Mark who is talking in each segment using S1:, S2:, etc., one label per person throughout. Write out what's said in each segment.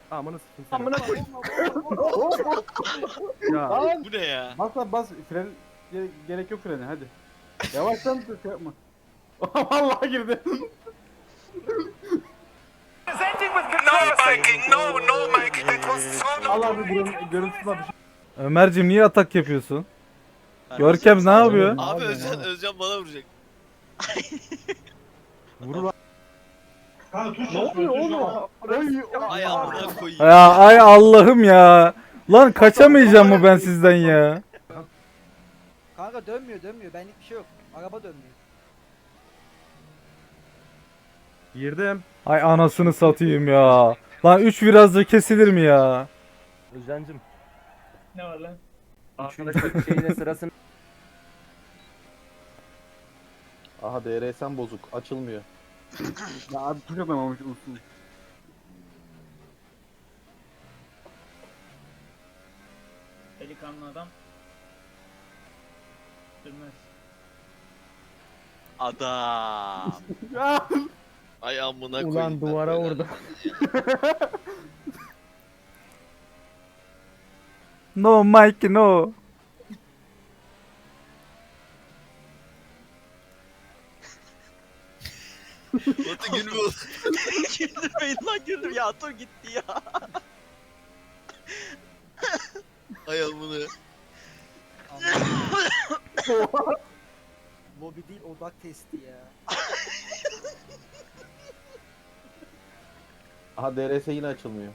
S1: Amına sıçtım seni.
S2: Amına koyayım.
S1: Ya
S2: Lan.
S3: Bu ne ya?
S1: bas lan bas fren gerek yok frene hadi. Yavaştan şey yapma. Vallahi girdi.
S4: No biking, no Mike. That was so not.
S1: Allah bir buranın görüntüsü var bir şey.
S5: Ömerciğim niye atak yapıyorsun? Görkem ne yapıyor?
S3: Abi Özcan bana vuracak.
S1: Vur lan.
S2: Ne oluyor oğlum?
S3: Ay amına koyayım.
S5: Ya ay Allah'ım ya. Lan kaçamayacağım mı ben sizden ya?
S6: Kanka dönmüyor. Benlik bir şey yok. Araba dönmüyor.
S1: Girdim.
S5: Ay anasını satayım ya. Lan 3 virajda kesilir mi ya?
S1: Özcan'cım.
S2: Ne var lan?
S1: Arkadaşlar şeyine sırasını.
S7: Aha DRS'm bozuk. Açılmıyor.
S1: Ya abi tuş atamamış usul.
S2: Delikanlı adam. Sürmez.
S3: Adam.
S1: Ya.
S3: Ay amına koyayım.
S2: Ulan duvara
S3: ben
S2: vurdu.
S5: No Mike no.
S3: Batu gülme oğlum. Güldürmeyin lan güldür ya dur gitti ya. Ay amına.
S6: Lobi değil odak testi ya.
S7: Aha DRS yine açılmıyor.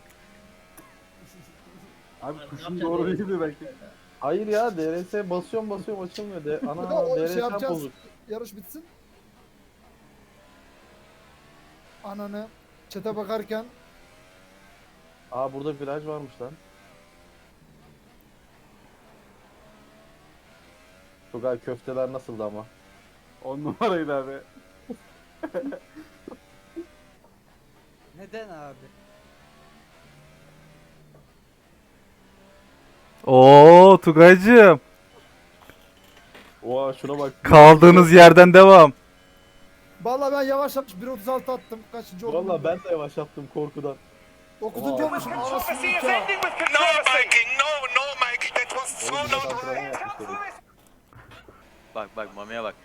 S1: Abi tuşun doğru değildi belki.
S7: Hayır ya DRS basıyorum açılmıyor. Ana
S8: O şey
S7: DRS'm
S8: yapacağız.
S7: bozuk.
S8: Yarış bitsin. Ananı çete bakarken
S7: Aa burada viraj varmış lan. Tugay köfteler nasıldı ama?
S1: 10 numaraydı abi.
S6: Neden abi?
S5: Oo Tugaycığım.
S7: Oha şuna bak.
S5: Kaldığınız yerden devam.
S8: vallahi ben yavaş yapmış 1.36 attım. Kaçıncı oldum?
S7: Valla ben de yavaş yaptım korkudan.
S8: 9.
S7: Oha.
S8: olmuşum. Anasını nikah.
S4: No biking, no Mike. That was so
S7: Oğlum millet
S4: not.
S7: antrenman yapmış dedik.
S3: Bak Mami'ye bak.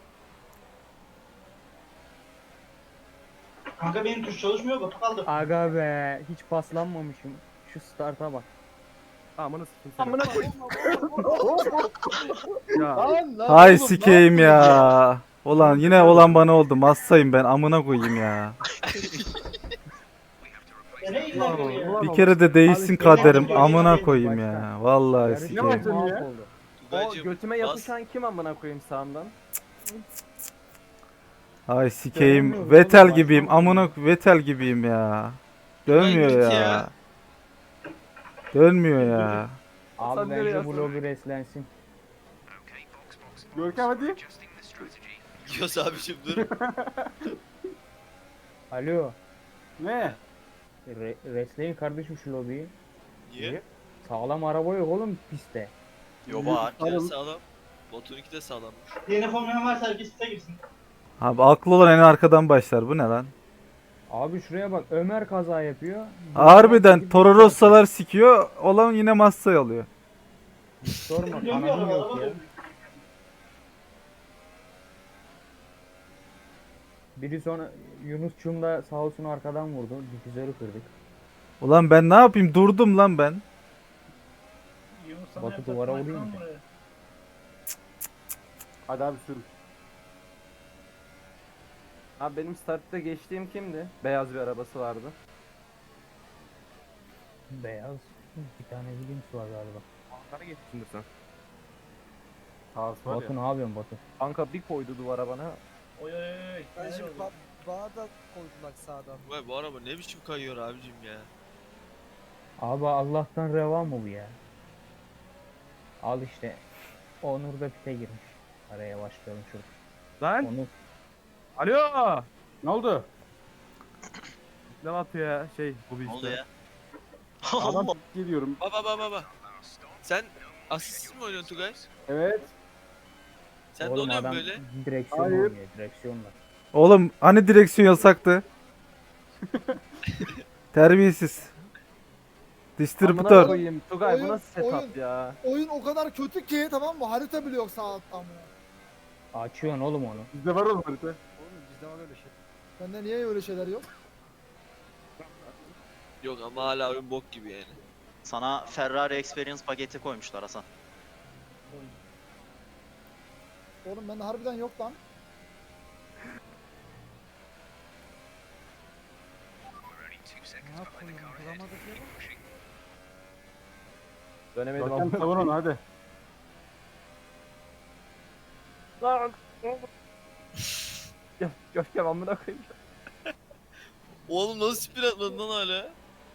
S2: Kanka benim tuş çalışmıyor, Batu kaldı.
S9: Aga be hiç paslanmamışım. Şu starta bak.
S1: Amına sıçtım seni.
S2: Amına koyayım.
S1: Ya.
S5: Hay
S7: oğlum,
S5: sikeyim
S7: ne
S5: ya. Ulan yine olan bana oldu. Massayım ben amına koyayım ya.
S2: Ne ilgileniyor ya?
S5: Bir kere de değişsin kaderim amına koyayım ya. Vallahi
S9: Yarış
S5: sikeyim.
S1: başladı ya?
S9: mahvoldu.
S1: O
S3: Tugaycığım,
S1: götüme
S3: bas.
S1: yapışan kim amına koyayım sağımdan?
S5: Ay sikeyim. Vettel gibiyim. Amına Vettel gibiyim ya. Dönmüyor
S3: Ulan git
S5: ya.
S3: ya.
S5: Dönmüyor ya.
S9: Abi
S1: Sen nereye
S9: bence
S1: yazsın?
S9: bu lobi reslensin.
S1: Görkem hadi.
S3: Yos abicim dur.
S9: Alo.
S1: Ne?
S9: Resleyin kardeşim şu lobiyi.
S3: Niye?
S9: Sağlam araba yok oğlum pistte.
S3: Yo var. Ya
S1: Alın.
S3: sağlam. Batu'nunki de sağlammış.
S2: DNF olmayan varsa herkes site girsin.
S5: Abi aklı olan en arkadan başlar. Bu ne lan?
S9: Abi şuraya bak Ömer kaza yapıyor.
S5: Harbiden Toro Rosso'lar sikiyor. Olan yine Massa'yı alıyor.
S9: Sorma
S2: Dönüyor
S9: kanalım
S2: araba,
S9: yok
S2: araba
S9: ya.
S2: dönüyor.
S9: Biri sonra Yunus'cum da sağ olsun arkadan vurdu. Difüzörü kırdık.
S5: Ulan ben ne yapayım? Durdum lan ben.
S2: Yunus sana
S9: Batu
S2: yapacak
S9: duvara
S2: bir
S9: vurayım
S2: lan
S9: mı?
S2: buraya.
S1: Hadi abi sür. Abi benim startta geçtiğim kimdi? Beyaz bir arabası vardı.
S9: Beyaz. Bir tane Williams var galiba.
S1: Ankara geçmişsindir sen. Sağ var
S9: Batu
S1: ya.
S9: ne yapıyorsun Batu?
S1: Kanka bir koydu duvara bana.
S2: Oy oy oy.
S6: Kardeşim
S2: Neler oluyor?
S6: bana da koydular sağdan.
S3: Vay bu araba ne biçim kayıyor abicim ya.
S9: Abi Allah'tan reva mı bu ya? Al işte. Onur da pite girmiş. Araya başlayalım şurada.
S1: Lan.
S9: Onur.
S1: Alo. Ne oldu? Ne yapıyor ya? Bu bir
S3: Ne oldu
S1: işte.
S3: ya?
S1: Adam
S3: Allah.
S1: geliyorum.
S3: Baba. Sen asist mi oynuyorsun Tugay?
S1: Evet.
S3: Sen de
S9: Oğlum
S3: oluyorsun
S9: adam
S3: böyle.
S9: direksiyon
S1: Hayır.
S9: oynuyor. Direksiyonla.
S5: Oğlum hani direksiyon yasaktı? Terbiyesiz.
S7: Amına
S5: Distribütör.
S7: koyayım. Tugay bu
S8: Oyun-
S7: nasıl setup
S8: oyun-
S7: ya?
S8: Oyun o kadar kötü ki tamam mı? Harita bile yok sağ altta amına.
S9: Açıyorsun oğlum onu.
S1: Bizde var oğlum harita.
S6: Oğlum bizde var öyle şey.
S8: Bende niye öyle şeyler yok?
S3: Yok ama hala oyun bok gibi yani.
S10: Sana Ferrari Experience paketi koymuşlar Hasan.
S8: Oğlum bende harbiden yok lan.
S6: Ne yapayım? Bulamadık ya.
S7: Dönemedim
S1: Görkem
S7: amına
S1: savun onu hadi.
S7: koyayım. Görkem amına koyayım.
S3: Oğlum nasıl spin atmadın lan hala?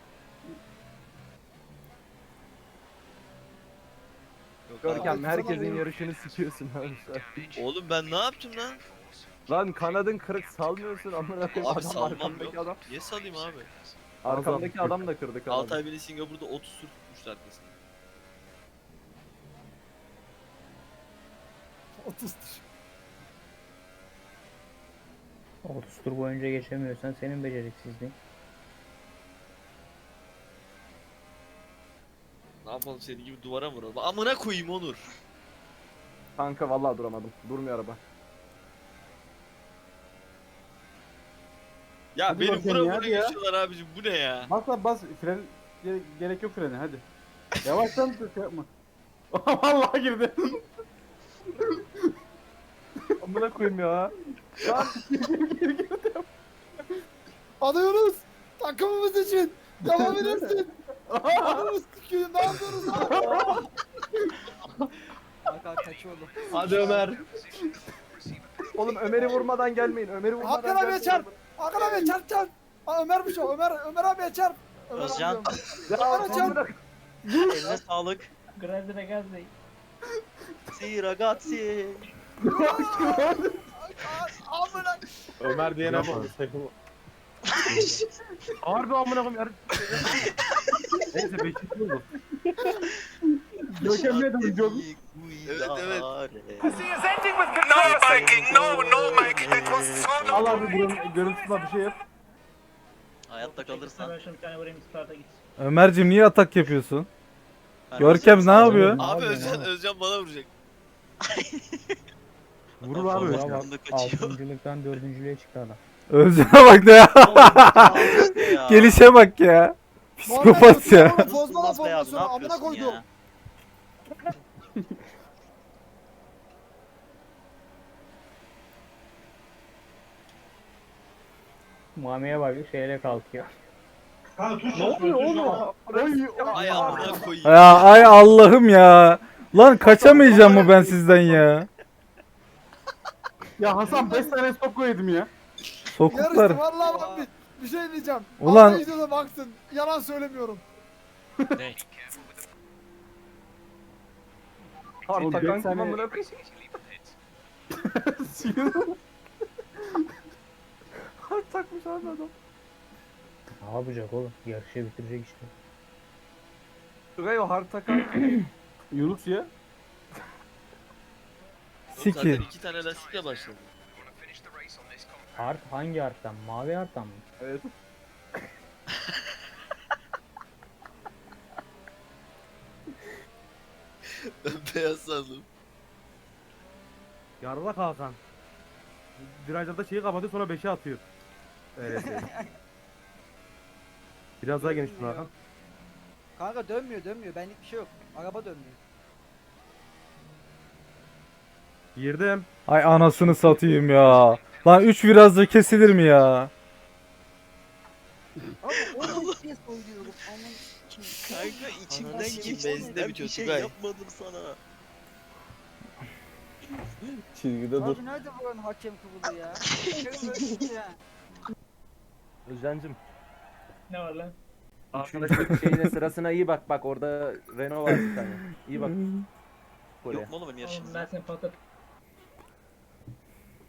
S7: Görkem herkesin
S8: Sana-
S7: yarışını sikiyorsun abi.
S3: Oğlum ben ne yaptım lan?
S7: Lan kanadın kırık salmıyorsun amına koyayım.
S3: Abi salmam
S7: arkamdaki
S3: yok.
S7: adam.
S3: Niye salayım abi?
S7: Arkamdaki adam da kırdı kanadı.
S3: Altay beni Singapur'da 30 tur tutmuştu arkasında.
S8: 30'dur.
S9: 30 tur boyunca geçemiyorsan senin beceriksizliğin.
S3: Ne yapalım senin gibi duvara mı vuralım? Amına koyayım Onur.
S7: Kanka vallahi duramadım. Durmuyor araba.
S3: Ya
S1: Hadi
S3: benim
S1: bakayım
S3: bura
S1: ya,
S3: bura
S1: hadi ya.
S3: geçiyorlar abicim bu ne ya?
S1: Bas lan bas. Fren gerek yok frene hadi. Yavaştan şey yapma. Vallahi girdi.
S7: Amına koyayım ya.
S8: Alıyoruz. Takımımız için. Devam edersin. Anamız sikiyor. Ne yapıyoruz lan?
S6: Kanka kaçıyor oğlum.
S7: Hadi Ömer. Oğlum Ömer'i vurmadan gelmeyin. Ömer'i vurmadan
S8: Hakan abiye
S7: gelmeyin.
S8: çarp. Hakan abiye çarp çarp. Aa, Ömer'miş o. Ömer abiye çarp. Ömer
S10: Özcan.
S8: abiye.
S7: Ya
S8: Hakan çarp.
S7: amına
S10: Eline sağlık.
S2: Grande ragazzi.
S10: Si ragazzi.
S8: Amına.
S7: Ömer diyene bak. Harbi amına koyayım. Neyse 5. oldu.
S1: Görkem ne dedim Görkem?
S3: Evet, evet.
S4: Presenting with no Mikey, no Mikey. That was so
S1: Allah abi buranın görüntüsüne bir şey yap.
S10: Hayatta kalırsan.
S2: Ben şunu bir tane vurayım starta git.
S5: Ömerciğim niye atak yapıyorsun?
S10: ben
S5: Görkem ne
S10: Hasan'ı
S5: yapıyor?
S9: Ne
S3: Abi
S9: yapıyorsun
S3: Özcan,
S9: oğlum?
S3: Özcan bana vuracak.
S1: Vurur abi.
S10: Forvet
S9: Bravo.
S10: yanında kaçıyor.
S9: 6.lıktan 4.lüğe çıktı adam.
S5: Özcan'a bak ne ya.
S10: Ya.
S5: Gelişe bak ya. Psikopat ya.
S8: Bozma
S10: Yılmaz Bey abi, ne
S8: formasyonu. Amına
S10: yapıyorsun
S8: koydum.
S10: ya?
S9: Mami'ye bak şeyle kalkıyor.
S2: Kanka tuş
S7: Ne oluyor oğlum?
S3: Ay amına koyayım.
S5: Ya ay Allah'ım ya. Lan kaçamayacağım mı ben sizden ya?
S1: Ya Hasan 5 tane stop koydum ya.
S5: Sokuklar.
S8: Yarıştı vallahi bak bir şey diyeceğim.
S5: Ulan-
S8: Allah izliyorsa baksın. Yalan söylemiyorum.
S3: Ne?
S7: Harbi
S1: Oğlum,
S7: takan
S1: beş
S7: kim
S1: tane-
S7: amına koyayım? Harbi takmış abi adam.
S9: Ne yapacak oğlum? Yarışı bitirecek işte.
S7: Tugay o hard takan.
S1: Yunus ya.
S3: Oğlum
S5: Sikir.
S3: zaten 2 tane lastikle başladı.
S9: Art hangi arttan? Mavi arttan mı?
S7: Evet.
S3: Ben beyaz sandım.
S1: Yarlak Hakan. Virajlarda şeyi kapatıyor sonra 5'e atıyor. Evet. Biraz daha geniş
S6: Dönmüyor. Kanka dönmüyor. Benlik bir şey yok. Araba dönmüyor.
S1: Girdim.
S5: Ay anasını satayım ya. Lan 3 virajda kesilir mi ya?
S6: Abi onu niye söylüyorum? Aman kim?
S3: Kanka içimden
S10: Anasını
S3: geçti.
S10: satayım,
S3: Benzinde
S10: ben
S3: bitiyor
S10: bir şey
S3: Tugay.
S10: yapmadım sana.
S7: Çizgide dur.
S6: Abi nerede buranın hakem kurulu ya? ya.
S7: Özcan'cım.
S2: Ne var lan?
S7: Arkadaşlık şeyine sırasına iyi bak. Bak orada Renault var bir tane. İyi bak. Oraya.
S10: Yok mu oğlum benim
S2: Oğlum ben
S10: yaşımda?
S2: seni patlatıp